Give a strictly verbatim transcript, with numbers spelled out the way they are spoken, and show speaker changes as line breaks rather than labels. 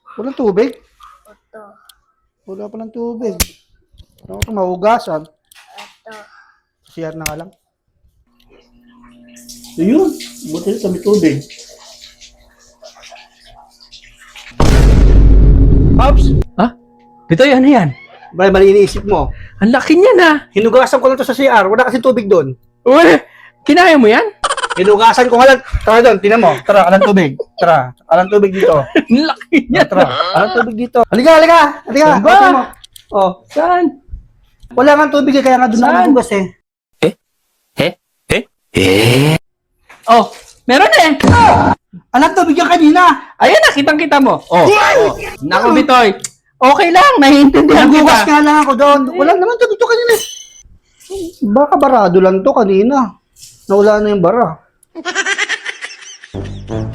Walang tubig?
Ito.
Wala pa ng tubig. Ano ito, mahugasan.
Ito.
C R na nga lang. Ayun, buti na kami tubig. Pops,
Ha? Bitoy, ano yan?
bali mali iniisip mo.
Ang laki niya na.
Hinugasan ko lang to sa C R, wala kasi tubig doon.
Uy, kinaya mo yan?
Hinugasan ko nga lang. Tara doon, tinan mo. Tara, alang tubig. Tara, alang tubig dito.
Ang laki niya.
Tara, alang tubig dito. Halika, halika. Halika.
Saan ba?
Tingnan mo. Oh,
Saan?
wala nga tubig eh, kaya nga doon ako
Saan?
nagugas eh.
Oh, meron eh.
Alang tubig yan kanina.
Ayan na, kitang-kita mo. Oh, oh. Naku, Bitoy. Okay lang, naiintindihan
Nagugas
kita.
nga lang ako doon. Wala naman tubig to kanina eh. Baka barado lang to kanina. Nawala na yung bara.